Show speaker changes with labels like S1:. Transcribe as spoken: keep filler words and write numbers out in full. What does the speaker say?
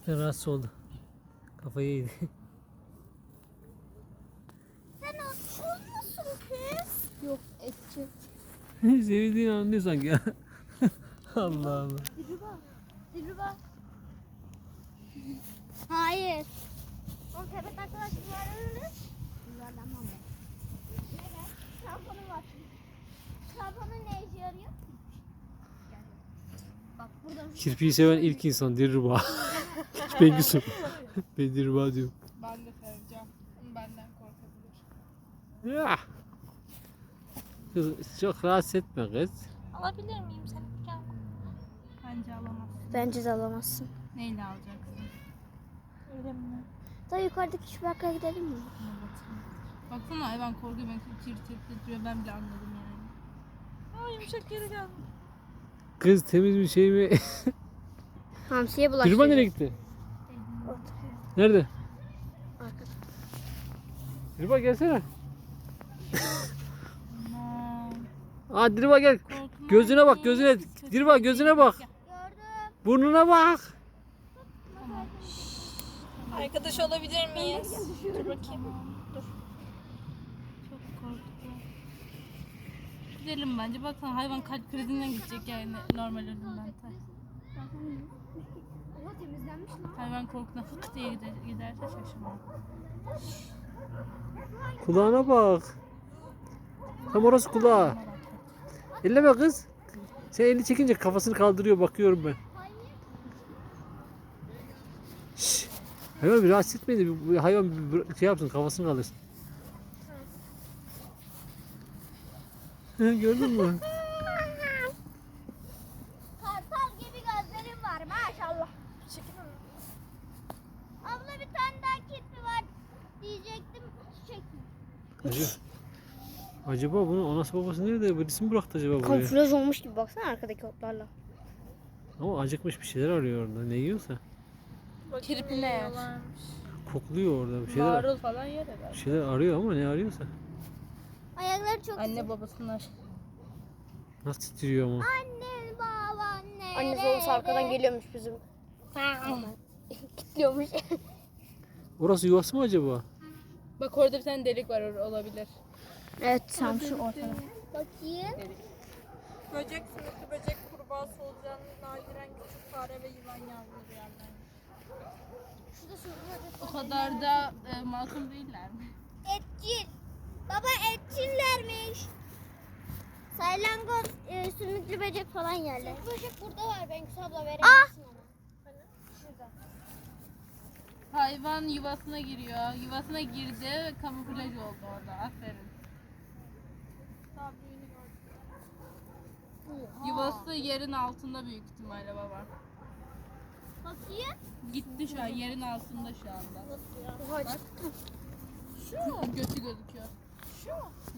S1: Gerçekten rahatsız oldu. Kafayı yedi.
S2: Sen açıyor musun kız? Yok etçi.
S1: Sevdiğini anlıyor sanki ya. Allah Allah.
S2: Dilruba. Dilruba. Hayır. O sepet arkadaşlarını yuvarlanmam ben. Evet. Şampuanım var. Şampuanın ne işe yarıyor? Bak buradan.
S1: Kirpiyi seven ilk insan Dilruba. Bengisu. Ben Dilruba diyorum.
S3: Ben de seveceğim. Ama benden korkabilir.
S1: Ya. Kız çok rahatsız etme kız.
S3: Alabilir miyim seni? Gel. Bence alamazsın.
S2: Bence de alamazsın.
S3: Neyle alacaksın? Öyle mi?
S2: Daha yukarıdaki şu bakkala gidelim mi?
S3: Baksana hayvan korkuyor, beni tir tir titriyor, ben bile anladım yani. Aa yumuşak geri geldi.
S1: Kız temiz bir şey mi?
S2: Hamsiye bulaştı.
S1: Dilruba nereye gitti? Nerede?
S2: Arkada.
S1: Dilruba gelsene.
S3: Aman.
S1: Aa Dilruba gel.
S3: Korkma.
S1: Gözüne bak gözüne. Dilruba gözüne bak.
S2: Gördüm.
S1: Burnuna bak.
S3: Arkadaş olabilir miyiz? Dur bakayım. Dur. Çok korktum. Gidelim bence. Baksana hayvan kalp krizinden gidecek yani normal ölümden.
S2: Ama temizlenmiş lan.
S3: Hayvan korkudan fık diye gider, giderse şaşırmam.
S1: Kulağına bak. Tam orası kulağı. Elleme kız. Sen elini çekince kafasını kaldırıyor bakıyorum ben. Şşş. Hayvan bir rahatsız etmeyin de bir- hayvan bir şey yapsın kafasını kaldırsın. Gördün mü?
S2: Kartal gibi gözlerim var maşallah. Abla bir tane daha kirpi var diyecektim. Çektim.
S1: Acaba, acaba bunu anası babası nerede? Birisi mi bıraktı acaba buraya?
S2: Kamuflaj olmuş gibi baksana arkadaki otlarla.
S1: Ama acıkmış bir şeyler arıyor orada. Ne yiyorsa.
S3: Kirpi ne yer?
S1: Kokluyor orada bir şeyler.
S3: Marul falan yer herhalde.
S1: Bir şeyler arıyor ama ne arıyorsa.
S2: Ayakları çok
S3: Anne babasınlar.
S1: Nasıl titriyor ama.
S2: Anne baban ne?
S4: Annesi babası arkadan geliyormuş bizim. Kilitliyormuş.
S1: Orası yuvası mı acaba?
S3: Bak orada bir tane delik var, or- olabilir.
S2: Evet tam şu
S3: ortada.
S2: bakayım.
S5: Böcek, sümüklü böcek, kurbağa, solucan, nadiren küçük fare ve yılan yavruları yerler.
S3: O kadar da e, masum değiller mi?
S2: Etçil. Baba etçillermiş. Saylangoz, e, sümüklü böcek falan yerler. Sümüklü böcek burada var. Bengüs abla verebilirsin ona. Şurada.
S3: Hayvan yuvasına giriyor. Yuvasına girdi ve kamuflaj oldu orada. Aferin.
S5: Daha büyüğünü gördüm.
S3: Yuvası yerin altında büyük ihtimalle baba.
S2: Bakayım.
S3: Gitti şu an, yerin altında şu anda. Bak. Şu götü gözüküyor.
S5: Şu.